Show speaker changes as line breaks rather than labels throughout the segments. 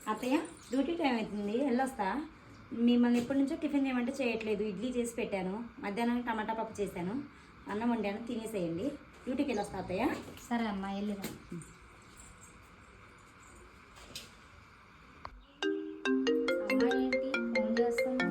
అత్తయ్య duty time అవుతుంది, వెళ్ళొస్తా. మిమ్మల్ని ఎప్పటి నుంచో టిఫిన్ చేయమంటే చేయట్లేదు. ఇడ్లీ చేసి పెట్టాను, మధ్యాహ్నం టమాటా పప్పు చేశాను, అన్నం వండాను, తినేసేయండి. డ్యూటీకి వెళ్ళొస్తా అత్తయ్య.
సరే అమ్మా, వెళ్ళిరా. అమ్మా ఏంటి ఫోన్ చేస్తున్నా?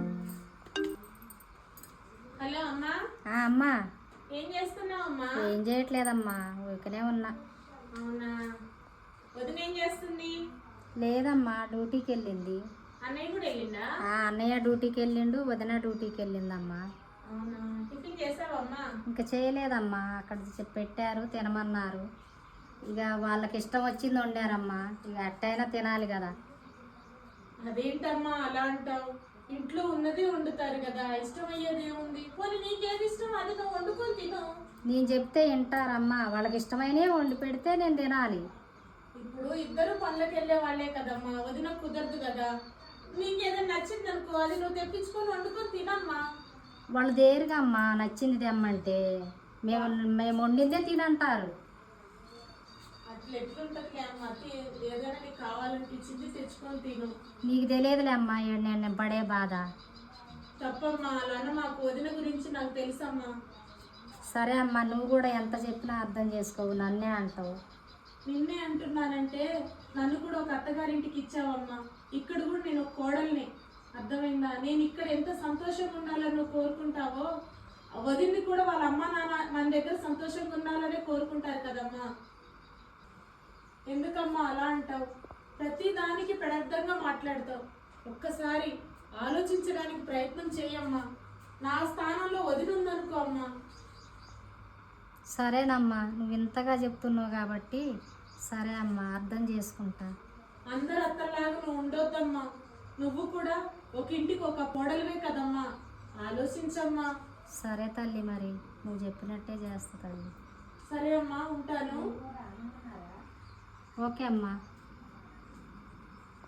హలో అమ్మా.
అమ్మా
ఏం చేస్తున్నావు అమ్మా?
ఏం చేయట్లేదమ్మా, ఊరికనే ఉన్నా.
అవునా, వదిన ఏం చేస్తుంది?
లేదమ్మా, డ్యూటీకి వెళ్ళింది.
అన్నయ్య కూడా వెళ్ళిందా?
అన్నయ్య డ్యూటీకి వెళ్ళిండు, వదిన డ్యూటీకి వెళ్ళిందమ్మా.
అవునా, టిఫిన్ చేసావా అమ్మా?
ఇంకా చేయలేదమ్మా, అక్కడ పెట్టారు తినమన్నారు. ఇక వాళ్ళకి ఇష్టం వచ్చింది వండారమ్మా, ఇక అట్టయినా తినాలి కదా.
అదేంటమ్మా అలా అంటావు? ఇంట్లో ఉన్నది వండుతారు కదా, ఇష్టం అయ్యేది ఏముంది? పోనీ నీకేది ఇష్టం అది నువ్వు వండుకొని తిను.
నేను చెప్తే వింటారమ్మా, వాళ్ళకి ఇష్టమైనవి వండి పెడితే నేను తినాలి.
ఇప్పుడు ఇద్దరు పనులకు వెళ్ళే వాళ్ళే కదమ్మా, వదిన కుదరదు కదా. నీకేదైనా నచ్చింది అనుకో, అది నువ్వు తెప్పించుకొని వండుకొని తినమ్మా.
వాళ్ళు దేరుగా అమ్మా నచ్చింది తెమ్మంటే, మేము మేము వండిందే తినంటారు.
అట్లా ఎట్లుంటది అమ్మా? ఏదైనా నీకు కావాలనిపించింది తెచ్చుకొని తిను.
నీకు తెలియదులే అమ్మా నేను పడే బాధ.
తప్పమ్మా, అలానే మాకు వదిన గురించి నాకు తెలుసమ్మా.
సరే అమ్మా, నువ్వు కూడా ఎంత చెప్పినా అర్థం చేసుకోవు, నన్నే అంటావు.
నిన్నే అంటున్నానంటే నన్ను కూడా ఒక అత్తగారింటికి ఇచ్చావమ్మా. ఇక్కడ కూడా నేను ఒక కోడల్ని, అర్థమైందా? నేను ఇక్కడ ఎంత సంతోషంగా ఉండాలని నువ్వు కోరుకుంటావో, వదిన్ని కూడా వాళ్ళ అమ్మ నాన్న మన దగ్గర సంతోషంగా ఉండాలనే కోరుకుంటారు కదమ్మా. ఎందుకమ్మా అలా అంటావు? ప్రతి దానికి పెడర్థంగా మాట్లాడతావు. ఒక్కసారి ఆలోచించడానికి ప్రయత్నం చేయమ్మా. నా స్థానంలో వదిలి ఉందనుకో అమ్మా.
సరేనమ్మా, నువ్వు ఇంతగా చెప్తున్నావు కాబట్టి సరే అమ్మా, అర్థం చేసుకుంటా.
అందరు అత్తలాగా నువ్వు ఉండొద్దమ్మా. నువ్వు కూడా ఒక ఇంటికి ఒక కోడలివే కదమ్మా, ఆలోచించమ్మా.
సరే తల్లి, మరి నువ్వు చెప్పినట్టే చేస్తా తల్లి.
సరే అమ్మా, ఉంటాను.
ఓకే అమ్మా.